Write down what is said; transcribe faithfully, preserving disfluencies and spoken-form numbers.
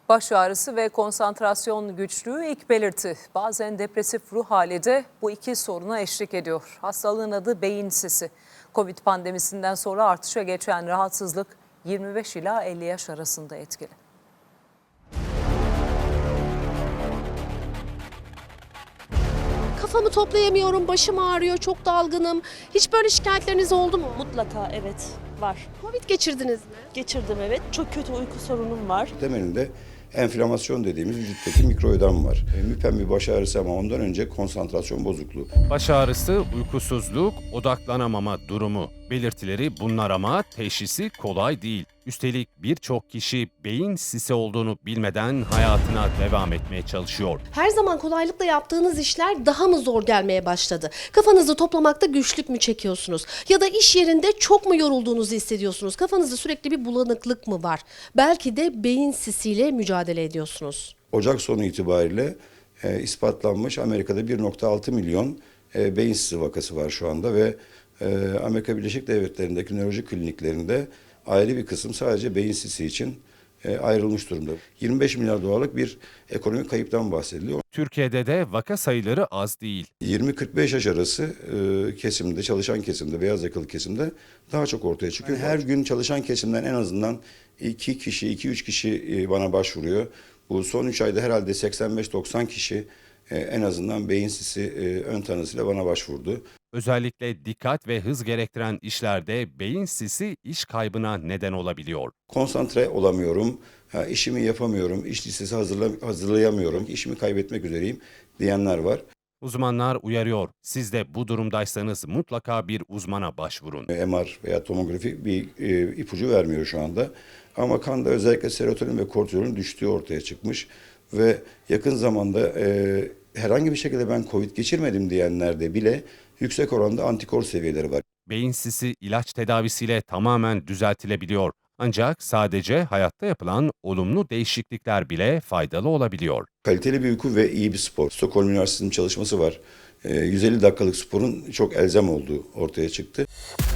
Baş ağrısı ve konsantrasyon güçlüğü ilk belirti. Bazen depresif ruh hali de bu iki soruna eşlik ediyor. Hastalığın adı beyin sisi. Covid pandemisinden sonra artışa geçen rahatsızlık yirmi beş ila elli yaş arasında etkili. Kafamı toplayamıyorum, başım ağrıyor, çok dalgınım. Hiç böyle şikayetleriniz oldu mu? Mutlaka evet var. Covid geçirdiniz mi? Geçirdim evet. Çok kötü uyku sorunum var. Temelinde enflamasyon dediğimiz vücuttaki mikroödem var. E, müpem bir baş ağrısı ama ondan önce konsantrasyon bozukluğu. Baş ağrısı, uykusuzluk, odaklanamama durumu. Belirtileri bunlar ama teşhisi kolay değil. Üstelik birçok kişi beyin sisi olduğunu bilmeden hayatına devam etmeye çalışıyor. Her zaman kolaylıkla yaptığınız işler daha mı zor gelmeye başladı? Kafanızı toplamakta güçlük mü çekiyorsunuz? Ya da iş yerinde çok mu yorulduğunuzu hissediyorsunuz? Kafanızda sürekli bir bulanıklık mı var? Belki de beyin sisiyle mücadele ediyorsunuz. Ocak sonu itibariyle e, ispatlanmış Amerika'da bir nokta altı milyon e, beyin sisi vakası var şu anda ve e, Amerika Birleşik Devletleri'ndeki nöroloji kliniklerinde ayrı bir kısım sadece beyin sisi için e, ayrılmış durumda. yirmi beş milyar dolarlık bir ekonomik kayıptan bahsediliyor. Türkiye'de de vaka sayıları az değil. yirmi kırk beş yaş arası e, kesimde, çalışan kesimde, beyaz yakalı kesimde daha çok ortaya çıkıyor. Yani her gün çalışan kesimden en azından iki kişi, iki üç kişi e, bana başvuruyor. Bu son üç ayda herhalde seksen beş doksan kişi e, en azından beyin sisi e, ön tanısıyla bana başvurdu. Özellikle dikkat ve hız gerektiren işlerde beyin sisi iş kaybına neden olabiliyor. Konsantre olamıyorum, ha, işimi yapamıyorum, iş listesi hazırla, hazırlayamıyorum, işimi kaybetmek üzereyim diyenler var. Uzmanlar uyarıyor. Siz de bu durumdaysanız mutlaka bir uzmana başvurun. M R veya tomografi bir e, ipucu vermiyor şu anda. Ama kanda özellikle serotonin ve kortizolün düştüğü ortaya çıkmış. Ve yakın zamanda e, herhangi bir şekilde ben Covid geçirmedim diyenlerde bile yüksek oranda antikor seviyeleri var. Beyin sisi ilaç tedavisiyle tamamen düzeltilebiliyor. Ancak sadece hayatta yapılan olumlu değişiklikler bile faydalı olabiliyor. Kaliteli bir uyku ve iyi bir spor. Stockholm Üniversitesi'nin çalışması var. E, yüz elli dakikalık sporun çok elzem olduğu ortaya çıktı.